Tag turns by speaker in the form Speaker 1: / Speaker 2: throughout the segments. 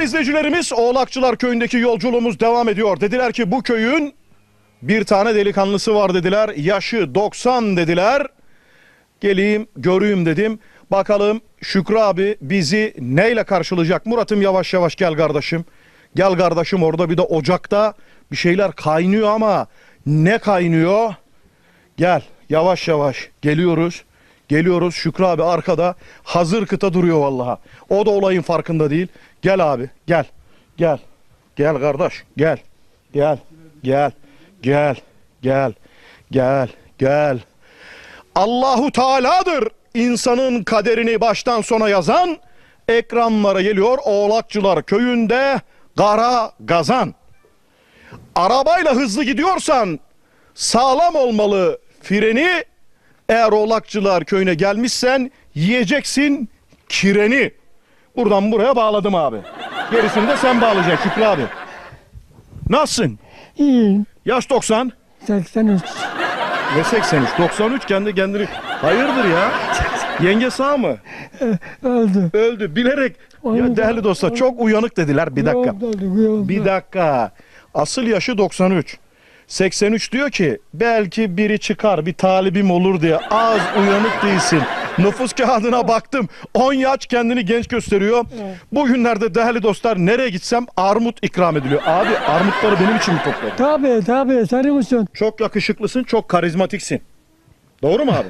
Speaker 1: Değerli izleyicilerimiz, Oğlakçılar Köyü'ndeki yolculuğumuz devam ediyor. Dediler ki bu köyün bir tane delikanlısı var dediler. Yaşı 90 dediler. Geleyim göreyim dedim. Bakalım Şükrü abi bizi neyle karşılayacak? Murat'ım yavaş yavaş gel kardeşim. Gel kardeşim, orada bir de ocakta bir şeyler kaynıyor ama ne kaynıyor? Gel yavaş yavaş geliyoruz. Geliyoruz, Şükrü abi arkada hazır kıta duruyor vallahi. O da olayın farkında değil. Gel abi gel. Gel. Gel kardeş gel. Gel. Gel. Gel. Gel. Gel. Gel. Allahu Teala'dır insanın kaderini baştan sona yazan. Ekranlara geliyor Oğlakçılar Köyü'nde Kara Gazan. Arabayla hızlı gidiyorsan sağlam olmalı freni. Eğer Oğlakçılar Köyü'ne gelmişsen yiyeceksin kireni. Buradan buraya bağladım abi. Gerisini de sen bağlayacaksın Şükrü abi. Nasılsın?
Speaker 2: İyiyim.
Speaker 1: Yaş 90.
Speaker 2: 83.
Speaker 1: Ve 83. 93 kendini. Hayırdır ya? Yenge sağ mı?
Speaker 2: Öldü.
Speaker 1: Öldü. Bilerek. Ya değerli dostlar çok uyanık dediler. Bir dakika. Bir dakika. Asıl yaşı 93. 83 diyor ki belki biri çıkar, bir talibim olur diye. Az uyanık değilsin. Nüfus kağıdına baktım. 10 yaş kendini genç gösteriyor.
Speaker 2: Evet.
Speaker 1: Bugünlerde değerli dostlar nereye gitsem armut ikram ediliyor. Abi armutları benim için mi topladın?
Speaker 2: Tabii senin için.
Speaker 1: Çok yakışıklısın, çok karizmatiksin. Doğru mu abi?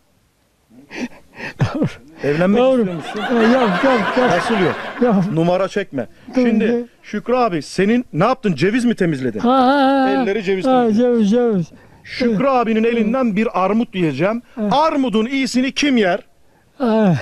Speaker 1: Evlenmek
Speaker 2: Doğru.
Speaker 1: istiyor musun?
Speaker 2: Yok.
Speaker 1: Nasıl yok?
Speaker 2: Yok.
Speaker 1: Numara çekme.
Speaker 2: Doğru.
Speaker 1: Şimdi Şükrü abi senin ne yaptın? Ceviz mi temizledin? Elleri ceviz temizledin.
Speaker 2: Ceviz.
Speaker 1: Şükrü abinin elinden bir armut yiyeceğim. Armudun iyisini kim yer?
Speaker 2: Ha.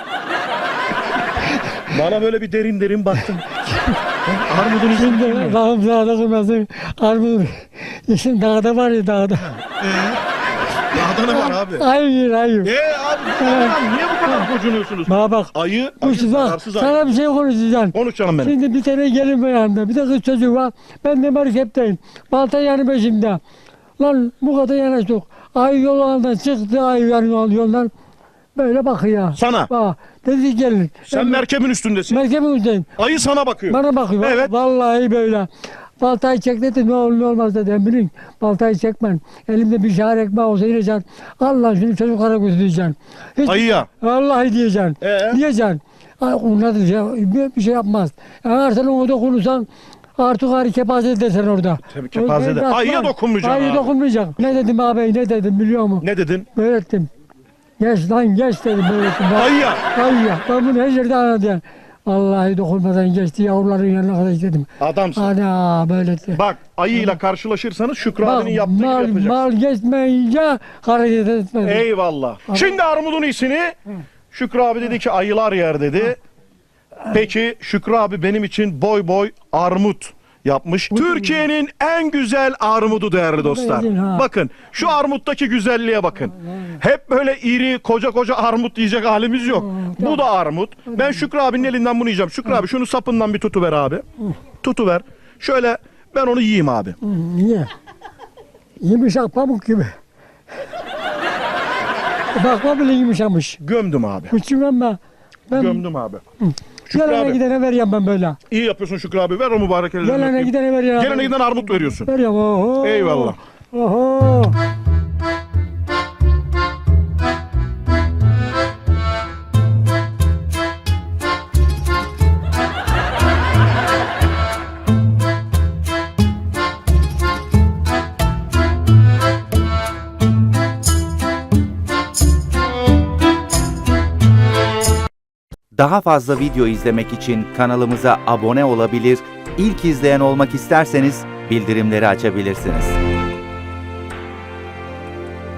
Speaker 1: Bana böyle bir derin baktın. Armudun iyisini kim yer?
Speaker 2: Şimdi Allah'ım dağda kırmasın. Armut. Şimdi dağda var ya dağda.
Speaker 1: Dağda ne var abi?
Speaker 2: Hayır.
Speaker 1: Abi niye bu kadar kocunuyorsunuz?
Speaker 2: Bana bak.
Speaker 1: Ayı
Speaker 2: Bak
Speaker 1: zararsız ayı.
Speaker 2: sana bir şey konuşacağım.
Speaker 1: Konuş canım benim.
Speaker 2: Şimdi bir tane gelin var yanında. Bir de kız çocuğu var. Ben de marketteyim. Balta yanı peşimde. Lan bu kadar yanaştık. Ay yolundan çıktı. Ay yoldan. Böyle bakıyor.
Speaker 1: Sana?
Speaker 2: Bak. Dedi gelin.
Speaker 1: Sen merkebin üstündesin.
Speaker 2: Merkebin üstündeyim.
Speaker 1: Ayı sana bakıyor.
Speaker 2: Bana bakıyor.
Speaker 1: Evet.
Speaker 2: Vallahi böyle. Baltayı çek dedi. Ne olur ne olmaz dedi. Bilin. Baltayı çekmen. Elimde bir şahar ekmeği olsa yiyeceksin. Allah şimdi çocuklara götüreceksin.
Speaker 1: Ayıya.
Speaker 2: Vallahi diyeceksin. Diyeceksin. Ay onlar bir şey yapmaz. Eğer sen ona dokunursan artık ağrı kepaze edersen orada.
Speaker 1: Tabii kepaze eder. Ayıya dokunmayacaksın
Speaker 2: Ayıya
Speaker 1: abi.
Speaker 2: dokunmayacak. Ne dedim abi ne dedim biliyor musun?
Speaker 1: Ne dedin?
Speaker 2: Böyle ettim. Geç lan geç dedim böyle ettim.
Speaker 1: Ayıya.
Speaker 2: Ayıya. Ben bunu her yerde anladım. Vallahi dokunmadan geçti yavruların yanına kadar dedim.
Speaker 1: Adamsın.
Speaker 2: Ana böyle ettim.
Speaker 1: Bak ayıyla karşılaşırsanız Şükrü abinin yaptığı gibi
Speaker 2: mal,
Speaker 1: yapacaksın.
Speaker 2: mal geçmeyince hareket etmedim.
Speaker 1: Eyvallah. Şimdi armudun iyisini Şükrü abi dedi ki ayılar yer dedi. Peki Şükrü abi benim için boy boy armut yapmış. Türkiye'nin en güzel armudu değerli dostlar. Bakın şu armuttaki güzelliğe bakın. Hep böyle iri koca armut yiyecek halimiz yok. Bu da armut. Ben Şükrü abinin elinden bunu yiyeceğim. Şükrü abi şunu sapından bir tutuver abi. Tutuver. Şöyle ben onu yiyeyim abi.
Speaker 2: Niye? Yumuşak pamuk gibi. Bakma bile yumuşamış.
Speaker 1: Gömdüm abi.
Speaker 2: Küçüğüm ben.
Speaker 1: Gömdüm abi. Şükrü
Speaker 2: Gelene
Speaker 1: abi.
Speaker 2: gidene veriyorum ben böyle.
Speaker 1: İyi yapıyorsun Şükrü abi. Ver o mübarek ellerini.
Speaker 2: Gelene
Speaker 1: öpeyim.
Speaker 2: gidene veriyorum.
Speaker 1: Gelene giden armut veriyorsun.
Speaker 2: Veriyorum. Oho.
Speaker 1: Eyvallah.
Speaker 2: Oho.
Speaker 3: Daha fazla video izlemek için kanalımıza abone olabilir, ilk izleyen olmak isterseniz bildirimleri açabilirsiniz.